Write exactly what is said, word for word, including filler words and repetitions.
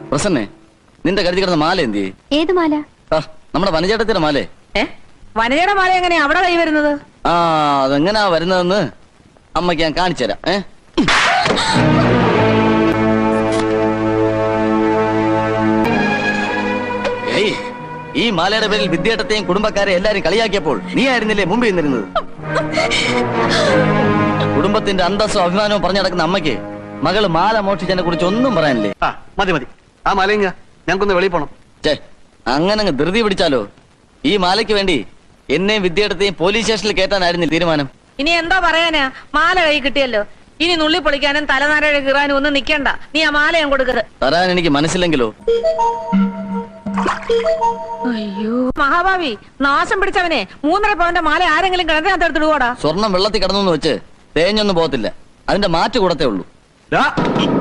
പ്രസന്നെ, നിന്റെ കരുതി കിടന്ന മാല എന്തി? ഏത് മാല? നമ്മുടെ വനചേട്ടത്തിന്റെ മാലേ. വനജയുടെ മാല എങ്ങനെയാ അവിടെ കൈ വരുന്നത്? ആ, അതെങ്ങനാ വരുന്നതെന്ന് അമ്മയ്ക്ക് ഞാൻ കാണിച്ചു തരാം. ഏ ഏയ്, ഈ മാലയുടെ പേരിൽ വിദ്യാർത്ഥത്തെയും കുടുംബക്കാരെ എല്ലാരും കളിയാക്കിയപ്പോൾ നീ ആയിരുന്നില്ലേ മുമ്പിൽ നിന്നിരുന്നത്? കുടുംബത്തിന്റെ അന്തസ്സും അഭിമാനവും പറഞ്ഞു നടക്കുന്ന അമ്മയ്ക്ക് മകള് മാല മോഷിച്ചതിനെ കുറിച്ച് ഒന്നും പറയാനില്ലേ? മതി മതി, ആ മാലയും ഞങ്ങൾക്കൊന്ന് വെളിയിൽ പോണം. ചേ, അങ്ങനെ അങ്ങ് ധൃതി പിടിച്ചാലോ? ഈ മാലയ്ക്ക് വേണ്ടി എന്നെയും വിദ്യാർത്ഥിയെയും പോലീസ് സ്റ്റേഷനിൽ കയറ്റാനായിരുന്നു തീരുമാനം. ഇനി എന്താ പറയാനാ? മാല കൈ കിട്ടിയല്ലോ, ഇനി നുള്ളി പൊളിക്കാനും തലനാരഴ കീറാനും ഒന്നും നിക്കണ്ട. നീ ആ മാല ഞാൻ കൊടുക്കരുത്. തരാൻ എനിക്ക് മനസ്സില്ലെങ്കിലോ? അയ്യോ മഹാഭാവി, നാശം പിടിച്ചവനെ, മൂന്നര പവന്റെ മാല ആരെങ്കിലും കിണറ്റിനകത്ത് എടുത്തിടുവാടാ. സ്വർണം വെള്ളത്തിൽ കിടന്നു വെച്ച് തേഞ്ഞൊന്നും പോകത്തില്ല, അതിന്റെ മാറ്റ് കൂടത്തേ ഉള്ളൂ.